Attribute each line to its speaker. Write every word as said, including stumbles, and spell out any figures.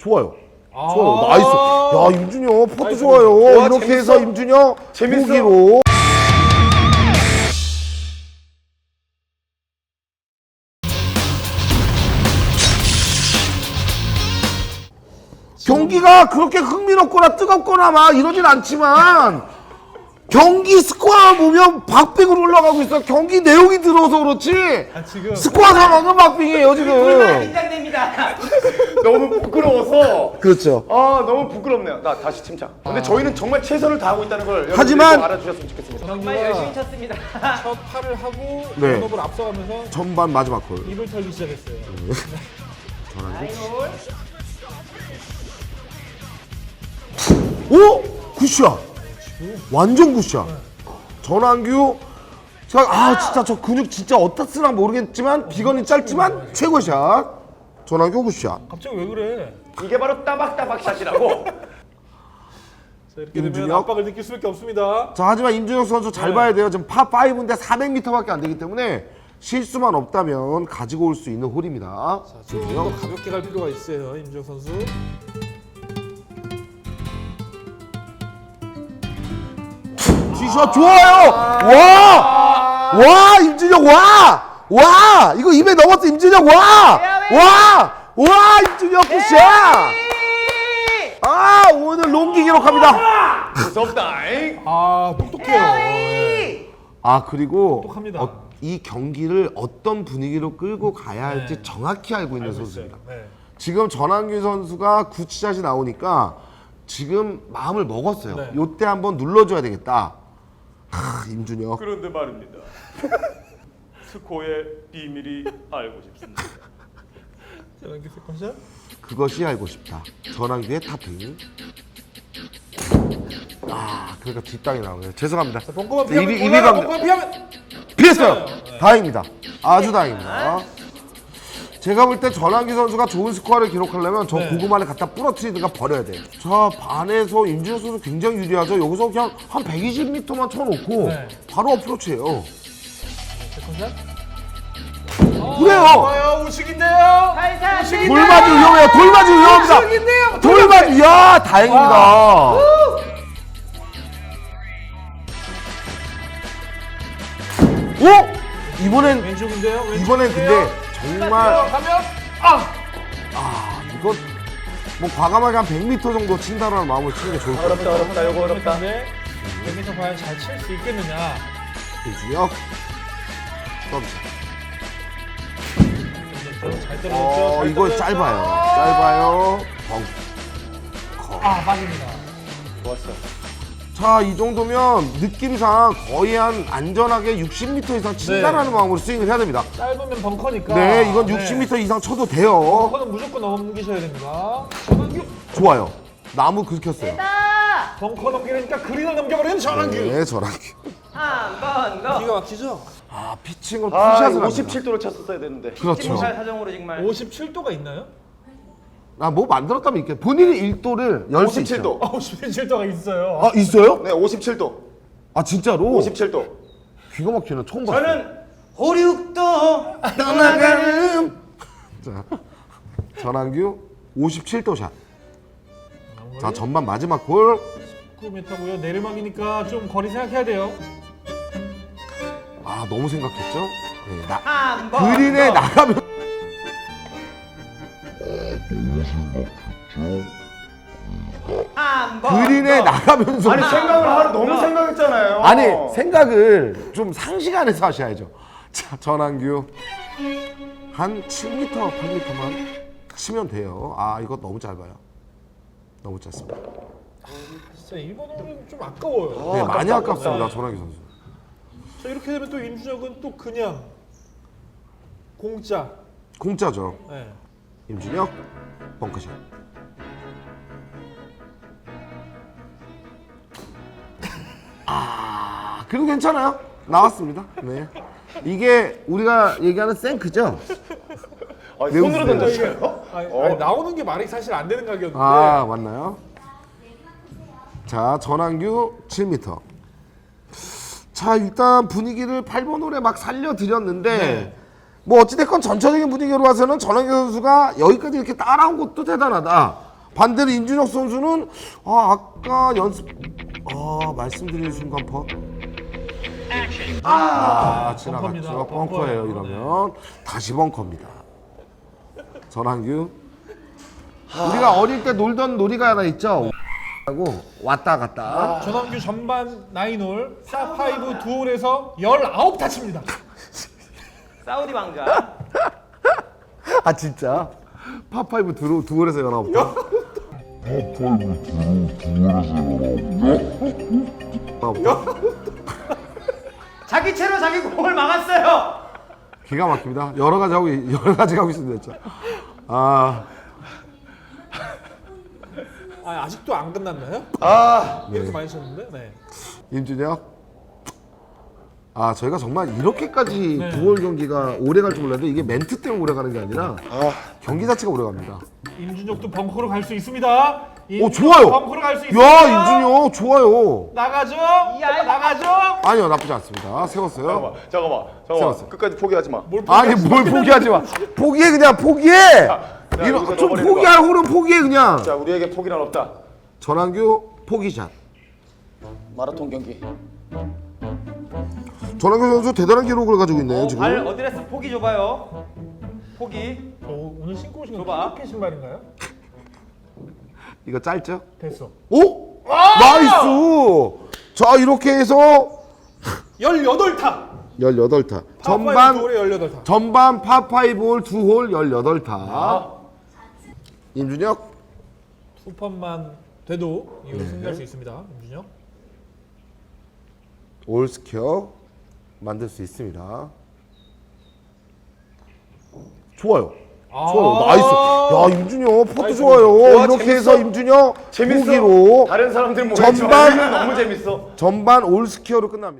Speaker 1: 좋아요.
Speaker 2: 아
Speaker 1: 좋아요. 나이스. 야, 임준혁 포트
Speaker 2: 나이스.
Speaker 1: 좋아요.
Speaker 3: 와,
Speaker 1: 이렇게
Speaker 3: 재밌어.
Speaker 1: 해서 임준혁
Speaker 3: 재밌어.
Speaker 1: 보기로. 경기가 그렇게 흥미롭거나 뜨겁거나 막 이러진 않지만 경기 스코어 보면 박빙으로 올라가고 있어. 경기 내용이 들어서 그렇지.
Speaker 2: 아, 지금
Speaker 1: 스코어 상황은 박빙이에요 지금.
Speaker 4: 긴장됩니다.
Speaker 3: 너무 부끄러워서.
Speaker 1: 그렇죠.
Speaker 3: 아 너무 부끄럽네요. 나 다시 침착. 근데 저희는 정말 최선을 다하고 있다는 걸 여러분들이
Speaker 1: 하지만-
Speaker 3: 꼭 알아주셨으면 좋겠습니다.
Speaker 4: 정말 열심히 쳤습니다.
Speaker 2: 첫 팔을 하고
Speaker 1: 네.
Speaker 2: 전업을 앞서가면서
Speaker 1: 전반 마지막 골.
Speaker 2: 입을 털기 시작했어요.
Speaker 4: 아이고.
Speaker 1: 오! 굿샷! 완전 굿샷! 전환규 제가 아 진짜 저 근육 진짜 어디다 쓰나 모르겠지만 비건이 짧지만 최고 샷! 전환규 굿샷!
Speaker 2: 갑자기 왜 그래?
Speaker 3: 이게 바로 따박따박 샷이라고.
Speaker 2: 자, 이렇게 되면
Speaker 1: 임준혁.
Speaker 2: 압박을 느낄 수밖에 없습니다.
Speaker 1: 자 하지만 임준혁 선수 잘
Speaker 2: 네.
Speaker 1: 봐야 돼요. 지금 파오인데 사백 미터밖에 안 되기 때문에 실수만 없다면 가지고 올 수 있는 홀입니다.
Speaker 2: 좀 더
Speaker 1: 임준혁.
Speaker 2: 가볍게 갈 필요가 있어요, 임준혁 선수.
Speaker 1: 티샷 좋아요! 와! 와! 임준혁 와! 와! 이거 입에 넘었어 임준혁 와! 와! 와! 임준혁 굿샷! 아 오늘 롱기 기록합니다.
Speaker 3: 무섭다잉.
Speaker 2: 아, 똑똑해요. 네.
Speaker 1: 아 그리고
Speaker 2: 똑똑합니다.
Speaker 1: 어, 이 경기를 어떤 분위기로 끌고 가야 할지
Speaker 2: 네.
Speaker 1: 정확히 알고 있는
Speaker 2: 알고
Speaker 1: 선수입니다.
Speaker 2: 있어요. 네.
Speaker 1: 지금 전환규 선수가 굿샷이 나오니까 지금 마음을 먹었어요.
Speaker 2: 네.
Speaker 1: 요때 한번 눌러줘야 되겠다. 하, 임준혁.
Speaker 3: 그런데 말입니다. 스코어의 비밀이 알고 싶습니다.
Speaker 2: 자, 연기 세컨샷.
Speaker 1: 그것이 알고 싶다. 전환규의 타핑. 아 그러니까 뒷땅이 나오네요. 죄송합니다.
Speaker 2: 자, 벙커만
Speaker 1: 자,
Speaker 2: 피하면
Speaker 1: 입이- 입이
Speaker 2: 올라가,
Speaker 1: 감-
Speaker 2: 벙커만 피하면
Speaker 1: 피했어요.
Speaker 2: 네.
Speaker 1: 다행입니다. 아주 다행입니다. 제가 볼 때 전환기 선수가 좋은 스코어를 기록하려면 저
Speaker 2: 네.
Speaker 1: 고구마를 갖다 부러뜨리든가 버려야 돼요. 자 반에서 임준혁 선수 굉장히 유리하죠. 여기서 그냥 한 백이십 미터만 쳐놓고
Speaker 2: 네.
Speaker 1: 바로 어프로치예요.
Speaker 2: 세컨샷.
Speaker 1: 그래요.
Speaker 2: 좋아요, 우측인데요.
Speaker 4: 살살.
Speaker 2: 우측인데요.
Speaker 1: 돌맞이 위험해요. 돌맞이 위험합니다.
Speaker 2: 우측인데요.
Speaker 1: 돌맞이 야 다행입니다. 오 이번엔
Speaker 2: 왼쪽인데요. 왼쪽인데요.
Speaker 1: 이번엔 근데 정말
Speaker 2: 가면 아,
Speaker 1: 아 이거 뭐 과감하게 한 백 미터 정도 친다라는 마음을 치는 게 좋을 것 같아요.
Speaker 3: 어렵다 어렵다 이거 어렵다.
Speaker 2: 근데 여기서 과연 잘 칠 수 있겠느냐?
Speaker 1: 임준혁 서비스.
Speaker 2: 잘 떨어졌죠.
Speaker 1: 어
Speaker 2: 잘
Speaker 1: 이거
Speaker 2: 떨어졌죠?
Speaker 1: 짧아요. 짧아요. 벙커.
Speaker 2: 아, 빠집니다.
Speaker 3: 좋았어.
Speaker 1: 자, 이 정도면 느낌상 거의 한 안전하게 육십 미터 이상 친다라는 마음으로 스윙을 해야 됩니다.
Speaker 2: 짧으면 벙커니까.
Speaker 1: 네, 이건 육십 미터 이상 쳐도 돼요.
Speaker 2: 벙커는 무조건 넘기셔야 됩니다. 전환규.
Speaker 1: 좋아요. 나무 긁혔어요.
Speaker 4: 다
Speaker 2: 벙커 넘기니까 그린을 넘겨버리는 전환규.
Speaker 1: 네, 저랑.
Speaker 4: 한번 더.
Speaker 2: 기가 막히죠?
Speaker 1: 아, 피칭을
Speaker 3: 아
Speaker 1: 풀샷을 합니다.
Speaker 3: 오십칠 도로 쳤었어야 되는데.
Speaker 1: 그렇죠.
Speaker 4: 찜살 사정으로 정말.
Speaker 2: 오십칠 도가 있나요?
Speaker 1: 아, 뭐 만들었다면 있겠 본인이 일 도를 열 수
Speaker 3: 오십칠 도.
Speaker 2: 아, 오십칠 도가 있어요.
Speaker 1: 아, 있어요?
Speaker 3: 네 오십칠 도.
Speaker 1: 아, 진짜로?
Speaker 3: 오십칠 도.
Speaker 1: 귀가 막히는 처음 봤어요.
Speaker 4: 저는 호륙도
Speaker 1: 떠나가는 자, 전환규 오십칠 도 샷. 자, 전반 마지막 골.
Speaker 2: 구 미터고요. 내리막이니까 좀 거리 생각해야 돼요.
Speaker 1: 아, 너무 생각했죠? 네, 나,
Speaker 4: 한번
Speaker 1: 그린에
Speaker 4: 더.
Speaker 1: 나가면
Speaker 4: 한번
Speaker 1: 그린에
Speaker 4: 더.
Speaker 1: 나가면서
Speaker 3: 아니 생각을 하루 너무 생각했잖아요.
Speaker 1: 아니 생각을 좀 상시간에서 하셔야죠. 자, 전환규 한 칠 미터, 팔 미터만 치면 돼요. 아, 이거 너무 짧아요. 너무 짧습니다.
Speaker 2: 진짜 이번 홀은 좀 아까워요.
Speaker 1: 네, 많이
Speaker 3: 아깝다,
Speaker 1: 아깝습니다,
Speaker 2: 아깝다.
Speaker 1: 전환규 선수.
Speaker 2: 자, 이렇게 되면 또 임준혁은 또 그냥 공짜.
Speaker 1: 공짜죠.
Speaker 2: 네.
Speaker 1: 임준혁 벙커샷. 아, 그래도 괜찮아요. 나왔습니다. 네. 이게 우리가 얘기하는 생크죠?
Speaker 3: 아,
Speaker 1: 매우
Speaker 3: 손으로
Speaker 1: 세요.
Speaker 3: 던졌어요?
Speaker 2: 아니,
Speaker 3: 어.
Speaker 2: 아니, 나오는 게 말이 사실 안 되는 가격인데.
Speaker 1: 아, 맞나요? 자, 전환규 칠 미터. 자, 일단 분위기를 팔 번 홀에 막 살려드렸는데
Speaker 2: 네.
Speaker 1: 뭐 어찌됐건 전체적인 분위기로 봐서는 전환규 선수가 여기까지 이렇게 따라온 것도 대단하다. 반대로 임준혁 선수는 아 아까 연습 아 말씀드린 순간 퍼. 아
Speaker 2: 벙커입니다.
Speaker 1: 지나갔죠. 벙커예요. 이러면 다시 벙커입니다. 전환규. 우리가 어릴 때 놀던 놀이가 하나 있죠. 하고 왔다 갔다.
Speaker 2: 전환규 전반 나인홀, 파파이브 두 홀에서 열아홉 타칩니다.
Speaker 4: 사우디 왕자.
Speaker 1: 아 진짜? 파파이브 두, 두 홀에서 열아홉 타? 파파이브 타?
Speaker 4: 자기 채로 자기 공을 막았어요.
Speaker 1: 기가 막힙니다. 여러 가지 하고 여러 가지 하고 있습니다 진짜. 아
Speaker 2: 아, 아직도 안 끝났나요?
Speaker 3: 아,
Speaker 2: 이렇게 많이 쳤는데. 네.
Speaker 1: 임준혁. 아 저희가 정말 이렇게까지
Speaker 2: 네.
Speaker 1: 두월 경기가 오래 갈 줄 몰랐는데 이게 멘트 때문에 오래 가는 게 아니라 경기 자체가 오래 갑니다.
Speaker 2: 임준혁도 벙커로 갈 수 있습니다.
Speaker 1: 오 좋아요.
Speaker 2: 벙커로 갈 수 있습니다.
Speaker 1: 야 임준혁 좋아요.
Speaker 2: 나가죠.
Speaker 4: 이야,
Speaker 2: 나가죠.
Speaker 1: 아니요 나쁘지 않습니다. 세웠어요.
Speaker 3: 잠깐만, 잠깐만, 잠깐만.
Speaker 1: 세웠어.
Speaker 3: 끝까지 포기하지 마.
Speaker 2: 뭘
Speaker 1: 아니 뭘 포기하지 마. 포기해 그냥 포기해.
Speaker 3: 자,
Speaker 1: 이거
Speaker 3: 여기서
Speaker 1: 좀
Speaker 3: 넣어버리는
Speaker 1: 포기할 홀은 포기해 그냥.
Speaker 3: 자, 우리에게 포기는 없다.
Speaker 1: 전환규 포기샷.
Speaker 3: 마라톤 경기.
Speaker 1: 전환규 선수 대단한 기록을 가지고 있네요
Speaker 4: 어,
Speaker 1: 지금.
Speaker 4: 발 어드레스 포기 줘봐요. 포기.
Speaker 2: 어, 오늘 신고 오신 건
Speaker 4: 줘봐.
Speaker 2: 피니케 신발인가요?
Speaker 1: 이거 짧죠?
Speaker 2: 됐어.
Speaker 1: 오! 나이스! 자 이렇게 해서
Speaker 2: 열여덟 타.
Speaker 1: 열여덟 타.
Speaker 2: 전반
Speaker 1: 전반
Speaker 2: 홀에 열여덟 타.
Speaker 1: 전반 파파이브 홀 두 홀 열여덟 타. 임준혁
Speaker 2: 투펀만 돼도 이후로 승리할 수 있습니다. 임준혁.
Speaker 1: 올스퀘어 만들 수 있습니다. 좋아요.
Speaker 2: 아.
Speaker 1: 좋아요. 나이스. 야 임준혁 퍼트
Speaker 2: 나이스.
Speaker 1: 좋아요.
Speaker 3: 와,
Speaker 1: 이렇게
Speaker 3: 재밌어.
Speaker 1: 해서 임준혁
Speaker 3: 재밌어.
Speaker 1: 보기로
Speaker 3: 다른 사람들 뭐
Speaker 1: 전반-
Speaker 3: 전반 너무 재밌어.
Speaker 1: 전반 올스퀘어로 끝납니다.